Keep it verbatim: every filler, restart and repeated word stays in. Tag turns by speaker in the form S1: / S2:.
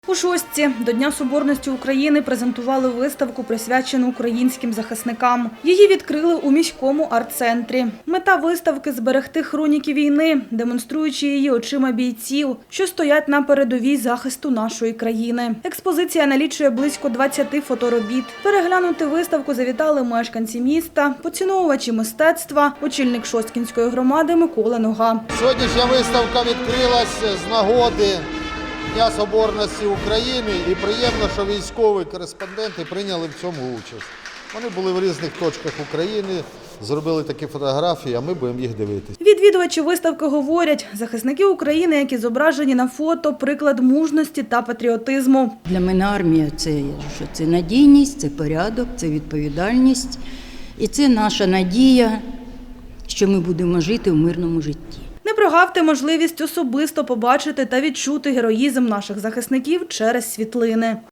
S1: У Шостці до Дня Соборності України презентували виставку, присвячену українським захисникам. Її відкрили у міському арт-центрі. Мета виставки – зберегти хроніки війни, демонструючи її очима бійців, що стоять на передовій захисту нашої країни. Експозиція налічує близько двадцяти фоторобіт. Переглянути виставку завітали мешканці міста, поціновувачі мистецтва, очільник Шосткінської громади Микола Нога.
S2: Сьогоднішня виставка відкрилась з нагоди Дня Соборності України, і приємно, що військові кореспонденти прийняли в цьому участь. Вони були в різних точках України, зробили такі фотографії, а ми будемо їх дивитися.
S1: Відвідувачі виставки говорять, захисники України, які зображені на фото, приклад мужності та патріотизму.
S3: Для мене армія – це, що це надійність, це порядок, це відповідальність. І це наша надія, що ми будемо жити в мирному житті.
S1: Не прогавте можливість особисто побачити та відчути героїзм наших захисників через світлини.